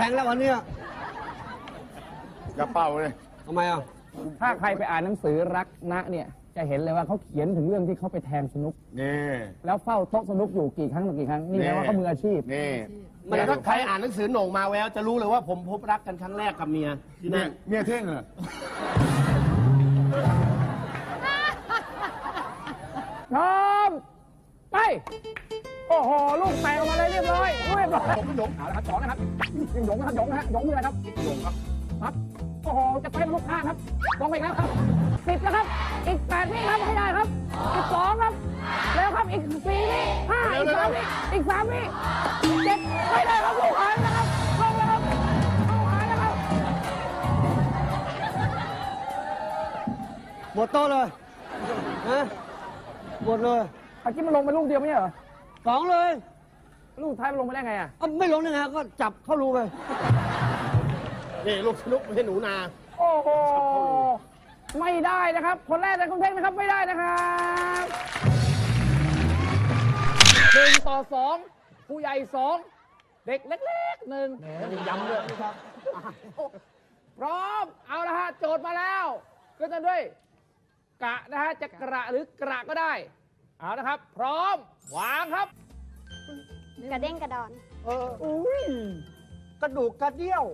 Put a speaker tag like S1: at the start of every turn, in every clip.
S1: ข็งแล้ววันนี้
S2: อย่าเป่าเลย
S1: ทำไมอ่ะ
S3: ถ้าใครไปอ่านหนังสือรักนะเนี่ยจะเห็นเลยว่าเขาเขียนถึงเรื่องที่เขาไปแทงสนุก
S2: นี่
S3: แล้วเฝ้าโต๊ะสนุกอยู่กี่ครั้งต่อกี่ครั้งนี่แปลว่าเขามืออาชีพ
S2: นี่
S4: มันถ้าใครอ่านหนังสือโหน่งมาแววจะรู้เลยว่าผมพบรักกันครั้งแรกกับเมียที่นั่น
S2: เมียเท่งเหรอ
S3: พร้อมไปโอ้โหลูกแตกออกมาเลยเรียบร้อยเรียบร้อยผมหยงเอาละครับสองนะครับยังหยงนะครับหยงนะฮะหยงคืออะไรครับหยงครับครับโอ้โหจะไปลูกค้าครับลงไปแล้วครับ10แล้วครับอีก8วิครับให้ได้ครับอีก2ครับแล้วครับอีก4วิ5อีก3วิอีก3วิ7ไม่ได้ครับลูกหายนะครับลงแล้วครับลูกหายนะครับ
S1: หมดโต๊ะเลยฮะหมดเลย
S3: เมื่อกี้มันลงไปลูกเดียวไม่ใช่เหรอ
S1: 2เลย
S3: ลูกท้ายมันลงไปได้ไงอ่ะ
S1: ไม่ลงยังไงก็จับเข้ารูไป
S4: นี่ลูกสนุกไม่ใช่หนูนา
S3: โอ้โหไม่ได้นะครับคนแรกในคุณเท่งนะครับไม่ได้นะครับ1 ต่อ 2ผู้ใหญ่2เด็กเล็กๆ1ย้ำด้วยครับพร้อมเอาละฮะโจทย์มาแล้วก็จะด้วยกะนะฮะจะกระหรือกระก็ได้เอานะครับพร้อมวางครับ
S5: กระเด้งกระดอน
S3: อุ้ย
S1: กระดูกกระเดี่ยว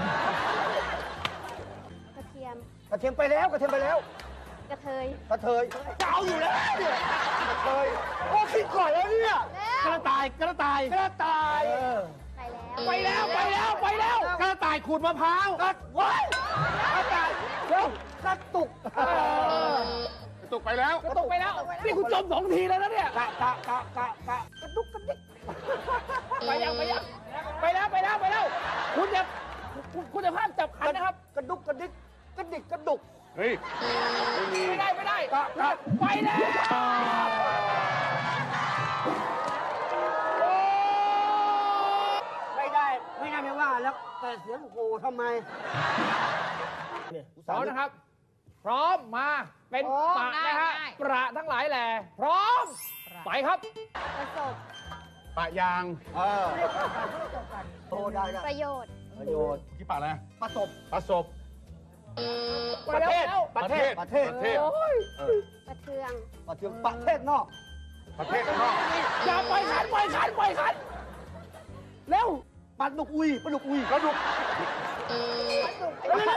S5: กระเทียม
S1: กระเทียมไปแล้วกระเทียมไปแล้ว
S5: กระเทย
S1: กระเทยเจ้าอยู่แล้วเนี่ยกระเทยโอ้คิดก่อนแล้วเนี่ย
S4: กระต่ายกระต่ายกระต่าย
S5: ไปแล้ว
S3: ไปแล้ว
S4: กระต่ายขูดมะพร้าว
S1: ว้ายกระต่ายเร็วกระตุก
S2: ตกไปแล้ว
S3: ก็ตกไปแล้วนี่คุณจม2 ทีแล้วนะเนี่ย
S1: กระดุกกระดิก
S3: ไปแล้วคุณจะพลาดจับขันนะครับ
S1: กระดุกกระดิกกระดิกกระดุก
S2: เฮ้ย
S3: ไม่ได้ไปแล้ว
S1: ไม่ได้ไม่ว่าแล้วแต่เสียงโห่ทำไม
S3: พร้อมนะครับพร้อมมาเป็นปะนะฮะประทั้งหลายแหล่พร้อมไปครับ
S5: ประสบ
S2: ปะยาง
S1: โอ้ได้
S5: ประโยชน์
S1: ประโยชน์
S2: กี่ปะอะไร
S1: ประสบ
S2: ประสบ
S3: ประเทศ
S1: ประเทศ
S5: ประเทือง
S1: ประเทศประเทศนอก
S2: ประเทศนอก
S3: อย่าปล่อยขันเร็ว
S1: ปลาดุกอุยปลาดุกอุย
S2: กระดูก
S3: เร็ว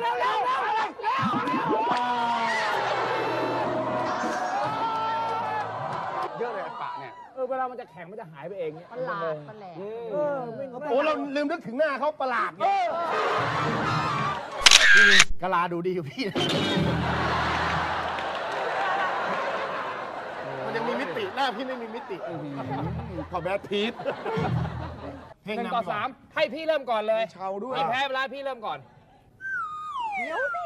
S2: เยอะเลยปะเนี่ย
S3: เวลามันจะแข็งมันจะหายไปเองเนี่ย
S5: ประหลาดประแหลก
S4: โอ้เราลืมนึกถึงหน้าเขาประหลาดเนี่ยกะลาดูดีกว่าพี่มันยังมีมิติหน้าพี่ไม่มีมิติ
S2: ขอแบทพีท
S3: 1 ต่อ 3ให้พี่เริ่มก่อนเลย
S2: เชาด้วย
S3: พี่แพ้เวลาพี่เริ่มก่อน
S5: เดี๋ยวสิ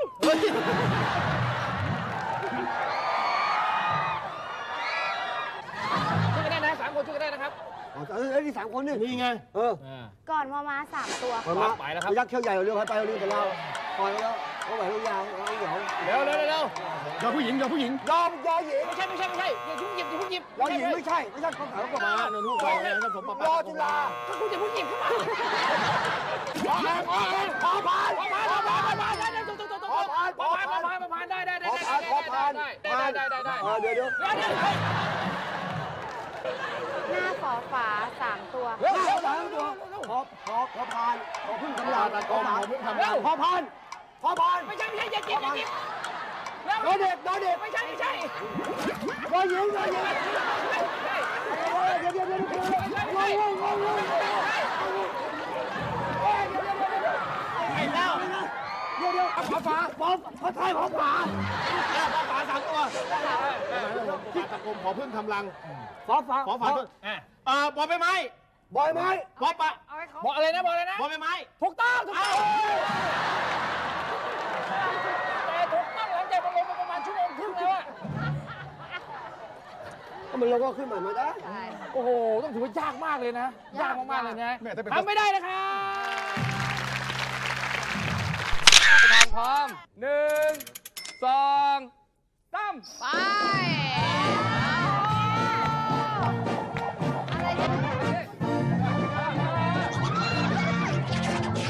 S3: ช่วยกันได้นะ3 คนช่วยกันได้นะครับ
S1: นี่3 คนนี่
S4: ไง
S5: ก่อนมา3 ตัว
S3: ไปแล้วครับ
S1: ยักษ์เขี้ยวใหญ่เรือไปเรือแต่เราปล่อยแล้วเขาไหวลูกยาวเดี๋ยว
S3: เร็ว
S2: อย่าผู้หญิง
S1: ยอมหญิง
S3: ไม่ใช่อย่ายุ่งหยิบ
S1: ยอมหญิงไม่ใช่เขาถามกลับมา
S4: ลูกไปแล้วผม
S1: รอจุฬา
S3: ถ้าคุณจะยุ่งหยิบขึ้นมา
S1: พอผ่าน
S3: ได้
S1: เดี๋ยว
S5: หน้าฝอฝา3 ตัว
S1: พอผ่านพอพึ่งทำลายพอผ่าน
S3: ไม่ใช่อย่าหยิบ
S1: น้อยเด็ก
S3: ไม่ใช่
S1: น้อยหญิงเดี๋ยวขอฝาไทยขอฝา
S4: 3 ตัวที่ตะกรมขอพึ่งทำรัง
S1: ขอฝา
S4: บอใบไม้
S1: บอยไม้
S4: บอปะ
S3: บอกอะไรนะบอใบไม้ถูกต้องแต่ถูกต้องหลังจากมันลงมาประมาณ1 ชั่วโมงครึ่งแล้ว
S1: มันเราก็ขึ้นมาไม่ได้
S3: โอ้โหต้องถือว่ายากมากเลยนะยากมากเลยนะทำไม่ได้นะครับทางพร้อม1 2 3ไป
S5: อะไรเนี่ย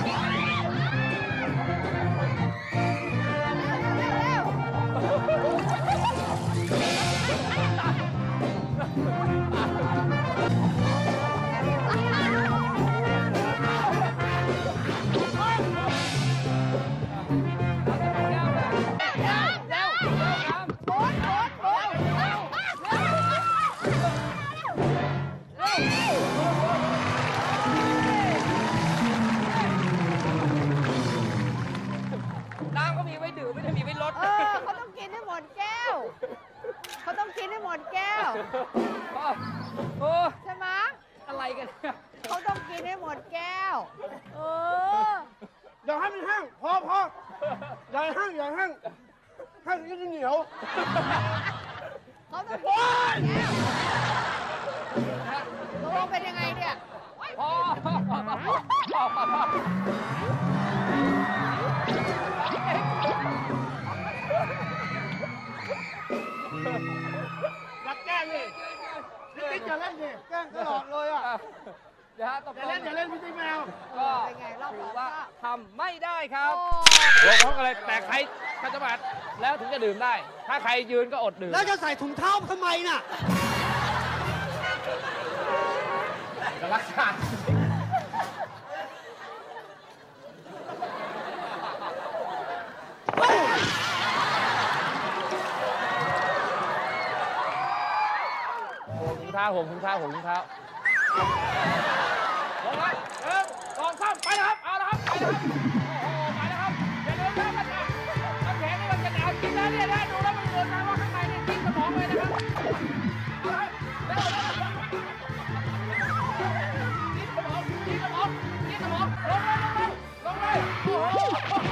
S3: กันเนี่ย
S5: เขาต้องกินให้หมดแก้ว เออ
S4: อย่าให้มันแห้งพออย่าให้แห้งอย่าให้แห้งแห้งจะเหนียว
S5: เขาต้องกินให้หมดแก้วตกลงเป็นยังไงเนี่ย
S3: พอ
S4: รักแกล้งนี่พี่ติ๊กอย่าเล่นดิแกล้งตลอดเลยอ่ะ
S3: เดี๋ยวฮะตก
S4: อย่า
S3: ล
S4: เล่
S3: ง
S4: นอย่าเล่นพี่ติ๊กแมว
S3: ก็
S5: เป็นไงรอบ
S3: ถื
S5: สอ
S3: อง ว่า
S5: ก็
S3: ทำไม่ได้ครับ
S5: โอ้
S3: ลงพร้อมกันเลยแต่ใครขัดจังหวัดแล้วถึงจะดื่มได้ ถ้าใครยืนก็อดดื่ม
S1: แล้วจะใส่ถุงเท้าทำไมน่ะ
S3: รักษาถุงเท้าผมถุงเท้าผมถุงเท้าลงเลย1 2 3ไปนะครับเอาละครับไปนะครับโอ้โหไปนะครับอย่าลืมนะมันน้ำแข็งนี่มันจะหนาวจริงนะเนี่ยนะดูแล้วมันเกินไปว่าข้างในนี่ทิ้งสมองเลยนะครับเอาละครับเร็วทิ้งสมองลงเลยโอ้โห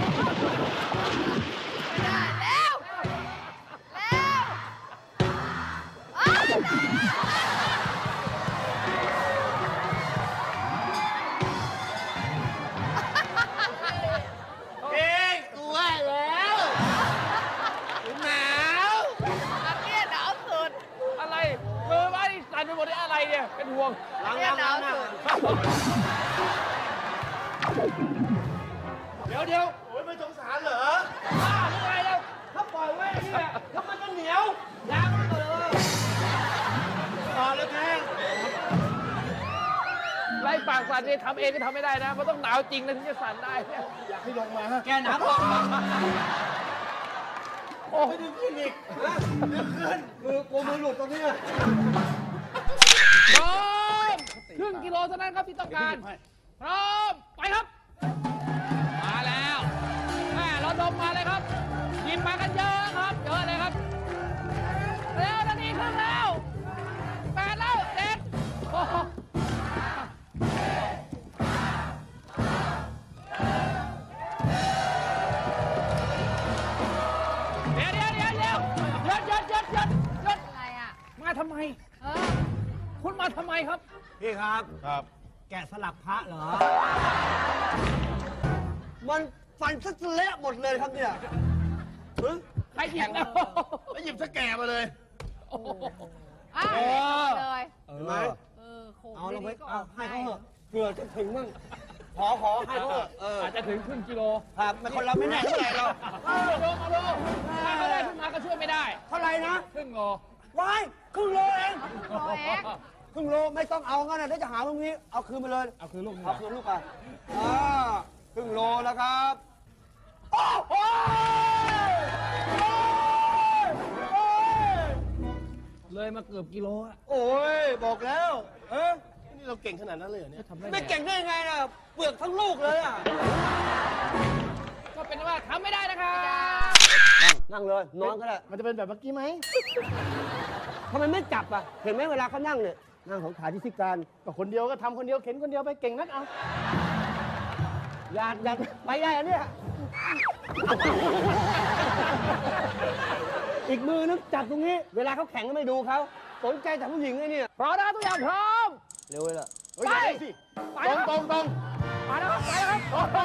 S5: ไม่ได้แล้วแล้วอ้าว
S4: เองตัวแล้วหนาว
S5: อันเนี้ยหนาวสุด
S3: อะไรมือไม้สั่นไปหมดเลยอะไรเนี่ยเป็นห่วง
S4: ล้าง
S5: เนี่ยหนาวสุด
S4: เดี๋ยวโอ้ยไม่สงสารเหรอ
S3: บ้าหรือไงแล้ว
S4: ถ้าปล่อยไว้เนี่ยแล้วมันจะเหนียวล้างมันเลยแล้วแก
S3: ไล่ปากสั่นเนี่ยทำเองก็ทำไม่ได้นะมันต้องหนาวจริงนะถึงจะสั่นได้เนี่ย
S4: อยากให้ลงมา
S1: แกหนาวพอ
S3: โอ้
S4: ไม่ดึงขึ้นอีกดึงขึ้นมือหลุดตรงนี้
S3: พร้อมครึ่งกิโลเท่านั้นครับที่ต้องการพร้อมไปครับ มาแล้วแม่เราดมมาเลยครับหยิบมากันเยอะครับเยอะเลยครับเร็วนาทีครึ่งแล้ว8แล้ว7โอ้โหเดี๋ยวหยุด
S5: อะไรอ่ะ
S3: มาทำไม
S5: เออ
S3: คุณมาทำไมครับ
S1: พี่ครับ
S2: ครับ
S1: แกะสลักพระเหรอ มันฟันซะเละหมดเลยครับเนี่ยเฮ้ย
S3: ใครหยิบนะ
S4: แล้วหยิบสแกมาเลย
S3: โอ้โห
S5: อ้าวเลย
S1: เห็นไหม
S5: โขก
S1: เอาลงไป
S5: ดีๆก็
S1: เอา
S5: ก
S1: ให้เขาเถอะเผื่อจะถึงมั่งขอให้เขาเถอะ
S3: อาจจะถึงครึ่งกิโล
S1: ครับไม่คนเราไม่แน่เท่าไหร่เรา
S3: เอาลงถ้าเขาได้ขึ้นมาก็ช่วยไม่ได้
S1: เท่าไหร่นะ
S3: ครึ่งโล
S1: วายครึ่งโลเอง
S5: โลเอง
S1: ครึ่งโลไม่ต้องเอางั้นนะเดี๋ยวจะหาตรงนี้ เอาคืนไปเลย
S3: เอาคือลูก
S1: เอาคืนลูกไปครึ่งโลแล้วครับโอ้โห
S3: เลยมาเกือบกิโลอะ
S1: โอ้ยบอกแล้วเออ
S4: นี่เราเก่งขนาดนั้นเลยเหรอเนี่ย
S3: ทำได้
S1: ไม่เก่งได้ไงนะเปลือกทั้งลูกเลยอ่ะ
S3: ก็เป็นว่าทำไม่ได้นะครับ
S1: นั่งเลยนอนก็ได้
S4: มันจะเป็นแบบเมื่อกี้ไหม
S1: ทำไมไม่จับอ่ะเห็นไหมเวลาเขานั่งเนี่ยนั่งของขาที่พิการ
S4: ก็คนเดียวก็ทำคนเดียวเข็นคนเดียวไปเก่งนักเอา
S1: อยากไปได้อะเนี่ย อีกมือนึงจับตรงนี้ เวลาเขาแข่งก็ไม่ดูเขาสนใจแต่ผู้หญิงไอ้เนี่ย
S3: พร้อมนะครับทุกอย่างพร้อม
S1: เร็วเลยล่ะ
S3: ไป
S4: สิ
S3: ไป
S4: ตร
S3: นะ
S4: ง
S3: ครับ
S4: ตรง
S3: ไปนะครับไปนะครับ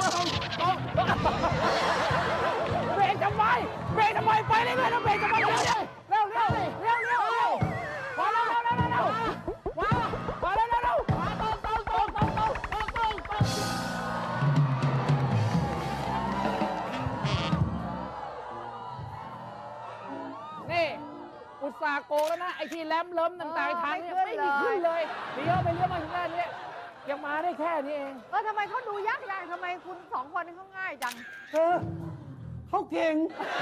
S3: เบรกทำไมไปเรื่อยๆนะเบรกทำไมเร็วมาเร็วมาเร็วตรงนี่อุตส่าห์โกงแล้วนะไอ้ที่แลมเลิมต่างๆทางเนี่ยไม่มีขึ้นเลยเลี้ยวไปเลี้ยวมาถึงด้านนี้ยังมาได้แค่นี้เอง
S5: ทำไมเขาดูยากทำไมคุณสองคนนี่เขาง่ายจัง
S1: เขาเก่ง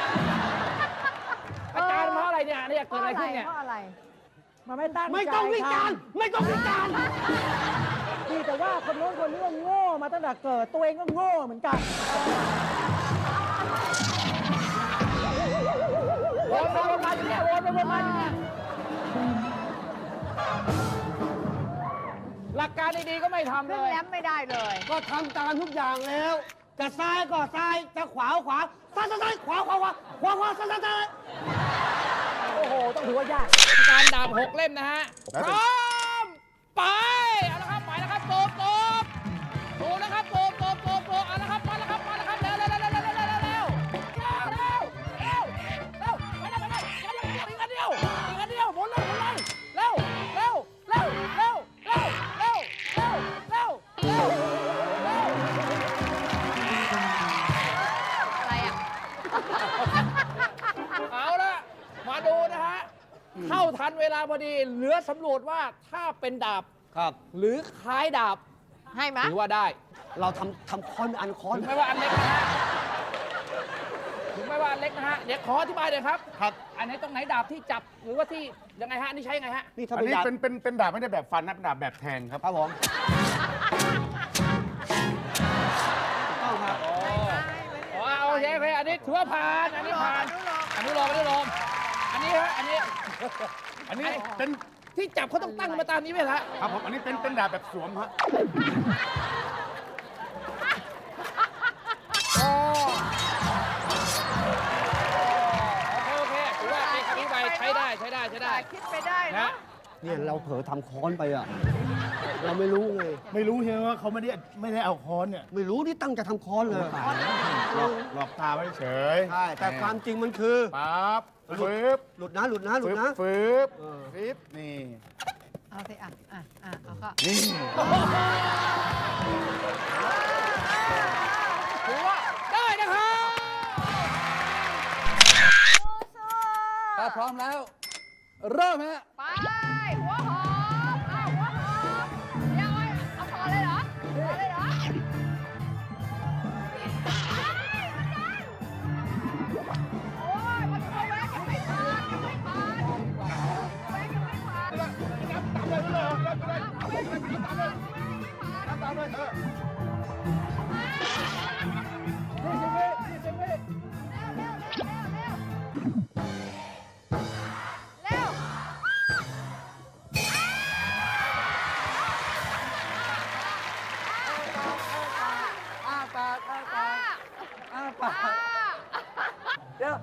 S3: อาจารย์เพราะอะไรเนี่ยเกิดอะไรขึ้นเนี่ย
S5: เพราะอะไร
S6: มันไม่ตั้งใจ
S1: ไม่ต้องวิจารณ์ไม่ต้องวิจารณ์
S6: ดีแต่ว่าคนโน้นคนนี้ก็โง่มาตั้งแต่เกิด ตัวเองก็โง่เหมือนกัน
S3: วนมาอย่างเงี้ยวนมาอย่างเงี้ยหลักการดีๆก็ไม่ทำเล
S5: ขึ้น
S3: ย
S5: แรมไม่ได้เลย
S1: ก็ทำตามทุกอย่างแล้ว จะซ้ายก็ซ้าย จะขวาก็ขวา ซ้ายซ้ายซ้ายขวาขวาขวาขวาขวาซ้ายซ้ายซ้าย
S6: โอ้โห ต้องถือว่ายาก
S3: การดาบ6 เล่มนะฮะ พร้อม ไป เอาละครับ ไปแล้วครับโกบโกบนะครับโกบเอาละครับ มาแล้วครับ เร็วไปได้อีกอันเดียวหมุนเลยเร็ว
S5: อะไรอ่ะ
S3: เอาละมาดูนะฮะ เข้าทันเวลาพอดี เหลือสำรวจว่าถ้าเป็นดาบ
S1: ครับ
S3: หรือคล้ายดาบ
S5: ให้ไหม
S3: ถือว่าได้
S1: เราทำค้อนเป็นอันค้อน
S3: ถึงแม้ว่าอันเล็กนะฮะ ถึงแม้ว่าอันเล็กนะฮะ เดี๋ยวขออธิบายหน่อยครับ
S2: ครับ
S3: อันไหนตรงไหนดาบที่จับ หรือว่าที่ยังไงฮะ นี่ใช้ยังไงฮะ
S1: นี่ถ้า
S2: อัน
S1: เป็น
S2: นี้
S1: ดาบ
S2: เป็นดาบไม่ได้แบบฟันนะเป็นดาบแบบแทงครับ
S1: ครับผมถูกต้องครับ
S3: อ๋อโอเคอันนี้ถือว่าผ่าน อันนี้ผ่าน อนุโลมอันนี้ฮะ อันนี้
S2: อันนี้เป็น
S3: ที่จับเขาต้องตั้งมาตามนี้ไหมล่ะ
S2: ครับผมอันนี้เป็นดาบแบบสวมฮะ
S3: โอเคถือว่าเป็นคำอธิบายใช้ได้
S5: คิดไปได้
S3: นะ
S5: เนาะ
S1: เนี่ยเราเผลอทำค้อนไปอ่ะ เราไม่รู้ไง
S2: ไม่รู้ใช่ไหมว่าเขาไม่ได้เอาค้อนเนี่ย
S1: ไม่รู้ที่ตั้งใจทำค้อนเลย
S2: หลอกตาไว้เฉย
S1: ใช่ แต่ความจริงมันคือ
S2: ปั๊บฟืบ
S1: หลุดนะ
S2: ฟืบฟืบนี่
S5: เอาสิเอาก็
S2: นี่
S3: ถือว่าได้นะครับ
S5: ถ้าพร้อมแล้ว
S3: เริ่มฮะ
S5: ไป หัวหอมหัวหอมเดี๋ยวเอาพอเลยเหรอโอ้ยมันเอาแหวนยังไม่ผ่านแหวนยังไม่ผ่านแหวนยังไม่ผ่าน เร็ว
S1: อ้าปาก
S5: อ้า
S1: เดี๋ยว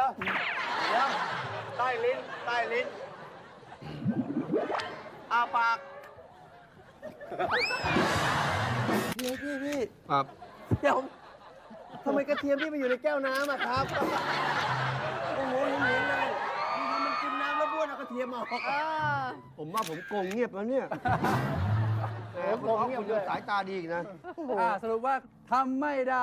S1: ใต้ลิ้นอ้าปากพี่
S2: ครับ
S1: เดี๋ยวทำไมกระเทียมพี่ไปอยู่ในแก้วน้ำอะครับ โอ้โหเห็นเลยพี่ทำมันกินน้ำแล้วบ้วนเอากระเทียมออก ผมว่าผมโกงเงียบแล้วเนี่ยโกงเงียบเลยสายตาดีอีกนะ
S6: สรุปว่าทำไม่ได้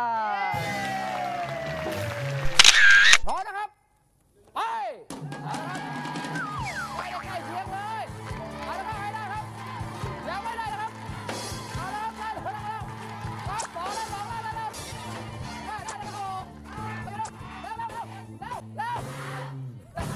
S3: พร้อมนะครับ ไปเอาละครับไปใกล้เคียงเลยเอาละครับให้ได้ครับยังไม่ได้นะครับเอาละครับได้แล้วครับสองแล้วได้แล้วเร็ว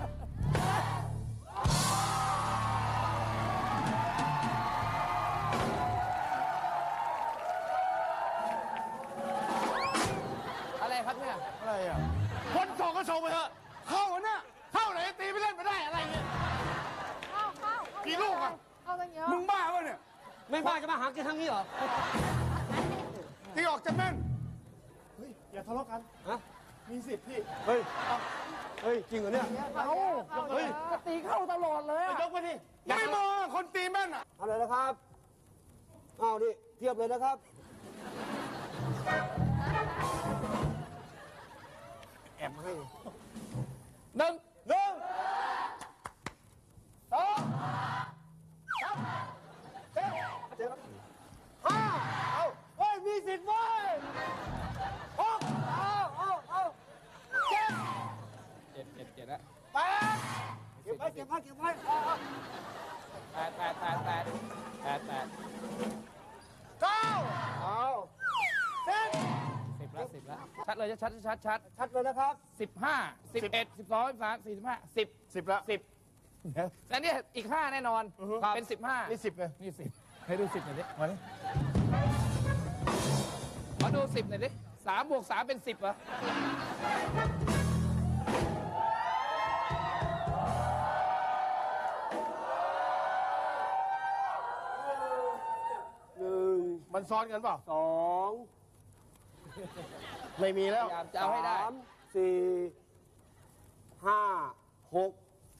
S3: อะไรครับเนี่ย
S2: อะไรอ่ะคนส่งก็ส่งไปเถอะเข้าน่ะเข้าไหนตีไปเล่นไม่ได้อะไรเนี่ย
S5: เข้า
S2: กี่ลูกอะ
S5: เข้าตั้งเยอะ
S2: มึงบ้าป่ะเนี่ย
S1: ไม่บ้าจะมาหากินทางนี้เหรอ
S2: ตีออกจะแม่นเฮ้ยอย่าทะเลาะกัน
S1: ฮะ
S2: มีสิทธิ์พี่
S1: เฮ้ย จริงเหรอเนี่ย
S3: เฮ้ยก็ตีเข้าตลอดเลยอะ
S2: ยกไปดิไม่มองอะคนตีแม่นอ่ะ
S1: เอาเลยนะครับเอานี่เทียบเลยนะครับ แอบให้
S3: หนึ่ง
S1: สองห้าเอาเฮ้ย มีสิทธิ์เว้ยหกเอาเจ็ด
S3: เจ็ดแล้ว
S1: แปดเก็บไว้เอา
S3: แปด
S1: เก้าเอาสิบ
S3: 10 แล้วชัดเลยชัด
S1: ชัดเลยนะครับ
S3: 15 11 12 13 14 15 10
S2: 10ละ
S3: แล้วเนี่ยอีก 5 แน่นอน เป็น 15
S2: นี่10เลย
S3: นี่ 10 ให้ดู 10หน่อยดิมาดิมาดู 10หน่อยดิ3 บวก 3 เป็น 10เหรอ
S2: มันซ้อนกันเปล่า
S1: 2
S2: ไม่มีแล้ว
S3: พยายามจะเอาให้ได้
S1: 3 4 5 6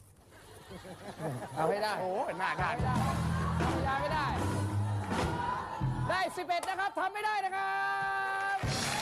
S3: เอาให้ได้
S2: โอ้ยหน้า
S3: เอาให้ได้ทำไม่ได้ ได้ 11 นะครับ ทำไม่ได้นะครับ